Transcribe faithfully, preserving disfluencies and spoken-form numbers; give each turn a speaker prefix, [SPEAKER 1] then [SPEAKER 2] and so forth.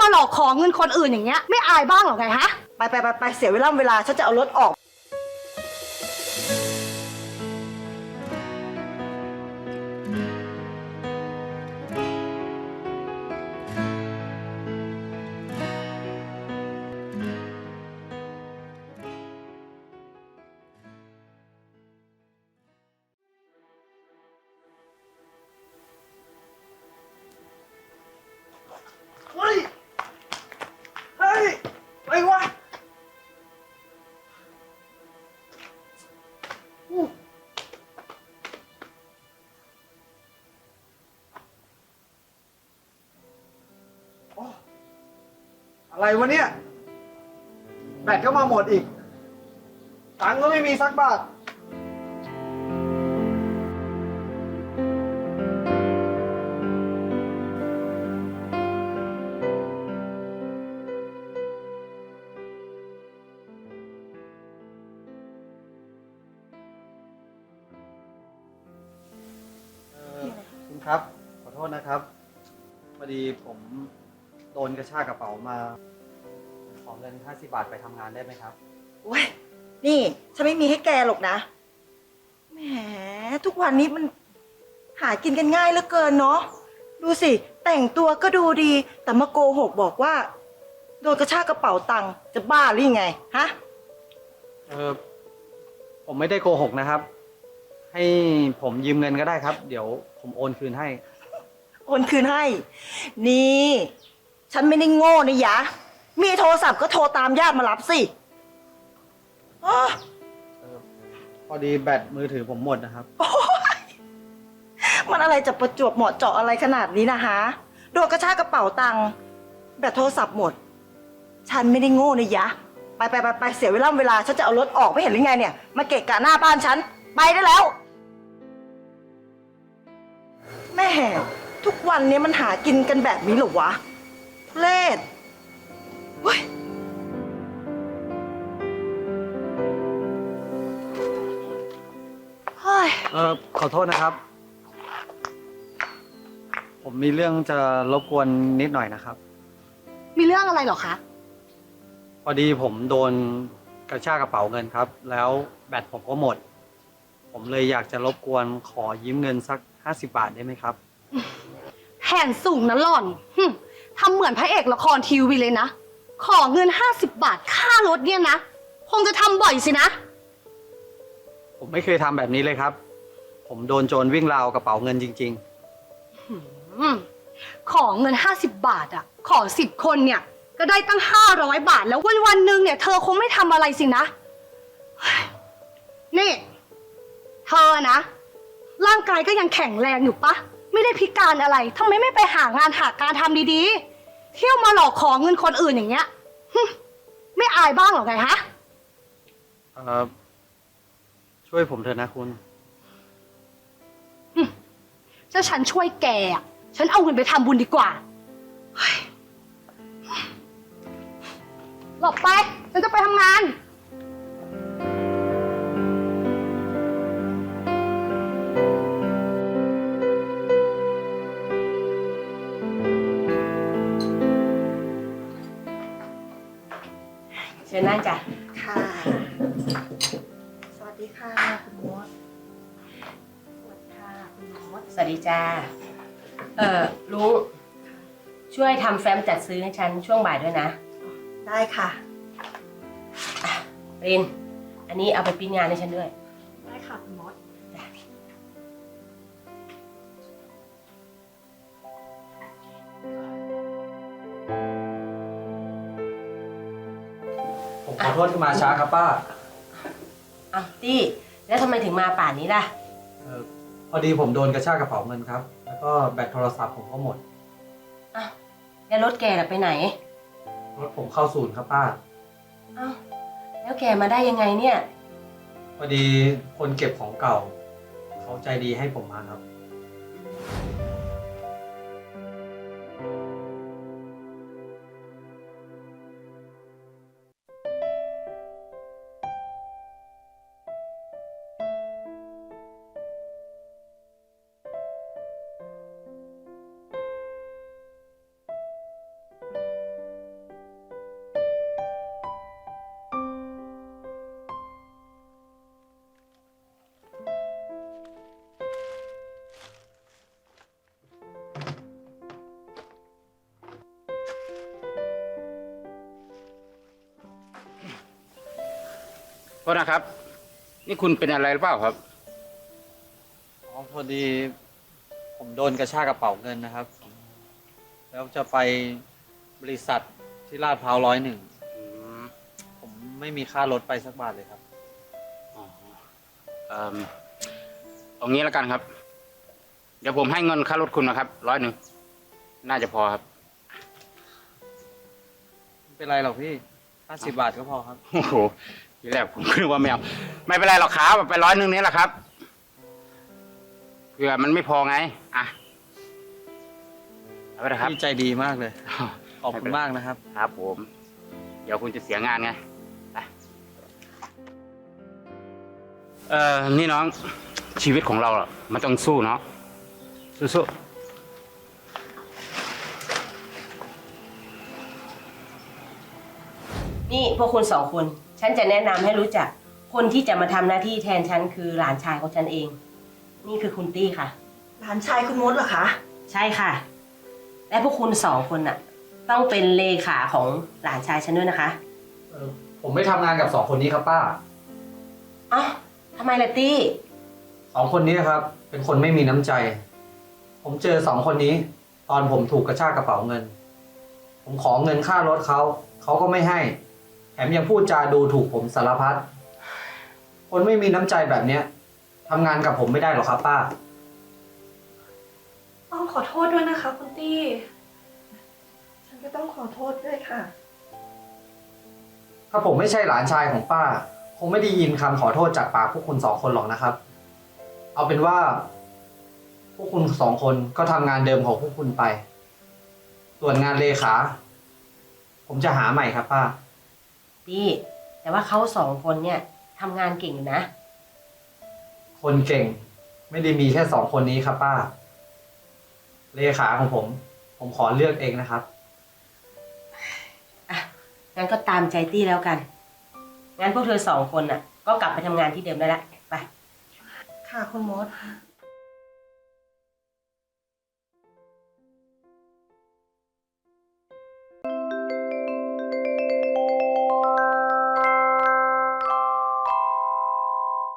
[SPEAKER 1] มาหลอกขอเงินคนอื่นอย่างเงี้ยไม่อายบ้างหรอไงฮะ
[SPEAKER 2] ไปไปไปไปเสียเวลาเวลาฉันจะเอารถออกเฮ้ยเฮ้ยไปวะอะไรวะเนี่ยแบตก็มาหมดอีกตังค์ก็ไม่มีสักบาทคุณครับขอโทษนะครับพอดีผมโดนกระชากกระเป๋ามาขอเงินห้าสิบบาทไปทำงานได้ไหมครับโอ้ยนี่ฉันไม่มีให้แกหรอกนะแหมทุกวันนี้มันหากินกันง่ายเหลือเกินเนาะดูสิแต่งตัวก็ดูดีแต่มาโกหกบอกว่าโดนกระชากกระเป๋าตังค์จะบ้าหรือยังไงฮะ
[SPEAKER 3] เออผมไม่ได้โกหกนะครับให้ผมยืมเงินก็ได้ครับเดี๋ยวผมโอนคืนให้
[SPEAKER 2] โอนคืนให้นี่ฉันไม่ได้โง่นะยะมีโทรศัพท์ก็โทรตามญาติมารับสิอ๋อ
[SPEAKER 3] พอดีแบตมือถือผมหมดนะครับ
[SPEAKER 2] มันอะไรจะประจวบเหมาะเจาะอะไรขนาดนี้นะฮะโดนกระชากกระเป๋าตังค์แบตโทรศัพท์หมดฉันไม่ได้โง่นะยะไปไปไปไปเสียเวลาเวลาฉันจะเอารถออกไม่เห็นหรือไงเนี่ยมาเกะกะหน้าบ้านฉันไปได้แล้วแม่ทุกวันนี้มันหากินกันแบบนี้หรอวะเล่ดเฮ้ย
[SPEAKER 3] เออขอโทษนะครับผมมีเรื่องจะรบกวนนิดหน่อยนะครับ
[SPEAKER 1] มีเรื่องอะไรหรอคะ
[SPEAKER 3] พอดีผมโดนกระชากกระเป๋าเงินครับแล้วแบตผมก็หมดผมเลยอยากจะรบกวนขอยืมเงินสักห้าสิบบาทได้ไหมครับ
[SPEAKER 1] แผนสูงนะหล่อนทำเหมือนพระเอกละครทีวีเลยนะขอเงินห้าสิบบาทค่ารถเนี่ยนะคงจะทำบ่อยสินะ
[SPEAKER 3] ผมไม่เคยทำแบบนี้เลยครับผมโดนโจรวิ่งราวกระเป๋าเงินจริง
[SPEAKER 1] ๆขอเงินห้าสิบบาทอ่ะขอสิบคนเนี่ยก็ได้ตั้งห้าร้อยบาทแล้ววันวันหนึ่งเนี่ยเธอคงไม่ทำอะไรสินะนี่เธอนะร่างกายก็ยังแข็งแรงอยู่ปะไม่ได้พิการอะไรทำไมไม่ไปหางานหาการทำดีๆเที่ยวมาหลอกขอเงินคนอื่นอย่างเงี้ยไม่อายบ้างหรอไงฮะ
[SPEAKER 3] เออช่วยผมเถอะนะคุณ
[SPEAKER 1] ถ้าฉันช่วยแกอ่ะฉันเอาเงินไปทำบุญดีกว่าหลบไปฉันจะไปทำงาน
[SPEAKER 4] เชิญนั่งจ้ะ
[SPEAKER 2] ค่ะสวัสดีค่ะคุณมดสวัสดีค่ะคุณมด
[SPEAKER 4] สวัสดีจ้าเอ่อลุงช่วยทำแฟ้มจัดซื้อให้ฉันช่วงบ่ายด้วยนะ
[SPEAKER 2] ได้ค่ะ
[SPEAKER 4] รินอันนี้เอาไปปริ้นงานให้ฉันด้วย
[SPEAKER 1] ได้ค่ะคุณมด
[SPEAKER 3] ผมขอโทษที่มาช้าครับป้า
[SPEAKER 4] อ้าวตี้แล้วทำไมถึงมาป่านนี้ล่ะ
[SPEAKER 3] เออพอดีผมโดนกระชากกระเป๋าเงินครับแล้วก็แบตโทรศัพท์ผมก็หมด
[SPEAKER 4] อ้าวแล้วรถแกล่ะไปไหน
[SPEAKER 3] รถผมเข้าศูนย์ครับป้า
[SPEAKER 4] อ้าวแล้วแกมาได้ยังไงเนี่ย
[SPEAKER 3] พอดีคนเก็บของเก่าเขาใจดีให้ผมมาครับ
[SPEAKER 5] โทษนะครับ นี่คุณเป็นอะไรหรือเปล่าครับ
[SPEAKER 3] อ๋อพอดีผมโดนกระชากกระเป๋าเงินนะครับ แล้วจะไปบริษัทที่ลาดพร้าวร้อยหนึ่ง
[SPEAKER 5] อืม
[SPEAKER 3] ผมไม่มีค่ารถไปสักบาทเลยครับ
[SPEAKER 5] อ๋อเอ่อเอางี้แล้วกันครับ เดี๋ยวผมให้เงินค่ารถคุณนะครับร้อยหนึ่งน่าจะพอครับ
[SPEAKER 3] ไม่เป็นไรหรอกพี่ห้าสิบบาทก็พอครับ
[SPEAKER 5] โอ้โหทีแรกผมคิดว่าไม่เอาไม่เป็นไรหรอกครับไปร้อยหนึ่งนี้แหละครับเผื่อมันไม่พอไงอ่ะเอาไปนะครับ
[SPEAKER 3] พี่ใจดีมากเลย ขอบคุณมากนะครับ
[SPEAKER 5] ครับผม เดี๋ยวคุณจะเสียงานไงไปเอ่อนี่น้องชีวิตของเราอ่ะมันต้องสู้เนาะสู้ๆ
[SPEAKER 4] นี่พวกคุณสองคน ฉันจะแนะนำให้รู้จัก คนที่จะมาทำหน้าที่แทนฉันคือหลานชายของฉันเอง นี่คือคุณตี้ค่ะ
[SPEAKER 6] หลานชายคุณมดเหรอคะ
[SPEAKER 4] ใช่ค่ะ และพวกคุณสองคนน่ะ ต้องเป็นเลขาของหลานชายฉันด้วยนะคะ
[SPEAKER 3] เออผมไม่ทำงานกับสองคนนี้ครับป้า
[SPEAKER 4] เอ้าทำไมล่ะตี้
[SPEAKER 3] สองคนนี้ครับ เป็นคนไม่มีน้ำใจ ผมเจอสองคนนี้ ตอนผมถูกกระชากกระเป๋าเงิน ผมขอเงินค่ารถเขา เขาก็ไม่ให้ แถมยังพูดจาดูถูกผมสารพัด คนไม่มีน้ำใจแบบเนี้ยทำงานกับผมไม่ได้หรอกครับป้า
[SPEAKER 6] ต้องขอโทษด้วยนะคะคุณตี้ ฉันก็ต้องขอโทษด้วยค่ะ
[SPEAKER 3] ถ้าผมไม่ใช่หลานชายของป้า คงไม่ได้ยินคำขอโทษจากปากพวกคุณสองคนหรอกนะครับ เอาเป็นว่า พวกคุณสองคนก็ทำงานเดิมของพวกคุณไป ส่วนงานเลขา ผมจะหาใหม่ครับป้า
[SPEAKER 4] ตี้แต่ว่าเขาสองคนเนี่ยทำงานเก่งอยู่นะ
[SPEAKER 3] คนเก่ง ไม่ได้มีแค่สองคนนี้ครับป้า เลขาของผม ผมขอเลือกเองนะครับ
[SPEAKER 4] อ่ะ งั้นก็ตามใจตี้แล้วกัน งั้นพวกเธอสองคนน่ะ ก็กลับไปทำงานที่เดิมได้ละ ไป
[SPEAKER 6] ค่ะคุณมด